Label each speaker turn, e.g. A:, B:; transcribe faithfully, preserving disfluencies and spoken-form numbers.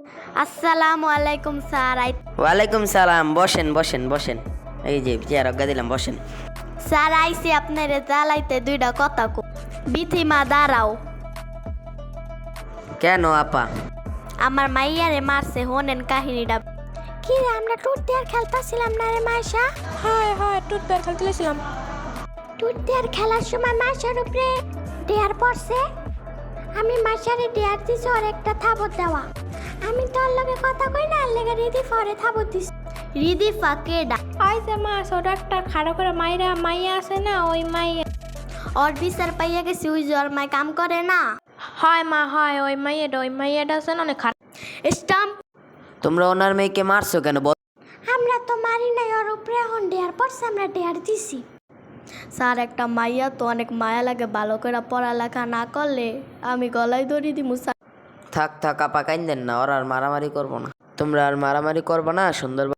A: আসসালামু আলাইকুম sir. I
B: ওয়ালাইকুম সালাম। বসেন বসেন বসেন। এই যে চেয়ার অজ্ঞা দিলাম, বসেন।
A: স্যার আইসি আপনারে জ্বালাইতে দুইটা কথা কো। বিথিমা দাঁড়াও।
B: কেন আপা?
A: আমার মাইয়ারে মারছে, হোনেন কাহিনীটা। কি রে, আমরা টুট দেয়ার খেলতাছিলাম না রে মাইশা?
C: হয় হয় টুট বের খেলতেছিলাম।
A: টুট দেয়ার খেলার সময় মাইশার উপরে ডেয়ার পড়ছে। আমি মাইশারে ডেয়ার দিছি ওর একটা থাবত দেওয়া। আমি তোর লগে কথা কই না, আর লেগে রিদি ফরে থাবত দিছি। রিদি ফাকেডা
C: আই যে মা ছোট একটা খাড়ো করে মাইরা মাইয়া আছে না, ওই মাইয়া।
A: ওর বিচার পাইয়া গেছি, ওই যে ওর মাই কাম করে না।
C: হয় মা হয়, ওই মাইয়াটা ওই মাইয়াটা আছে না অনেক খারাপ।
A: স্টাম্প।
B: তোমরা ওনার মেয়েকে মারছো কেন? বল।
A: আমরা তো মারি নাই, ওর উপরে এখন ডেয়ার পড়ছে, আমরা ডেয়ার দিছি। স্যার একটা মাইয়া তো অনেক মায়া লাগে, ভালো করে পড়ালেখা না করলে আমি গলায় দড়ি দিমু স্যার।
B: থাক থাক আপা, কাইন্দেন না, ওরা আর মারামারি করবো না। তোমরা আর মারামারি করবো না, সুন্দর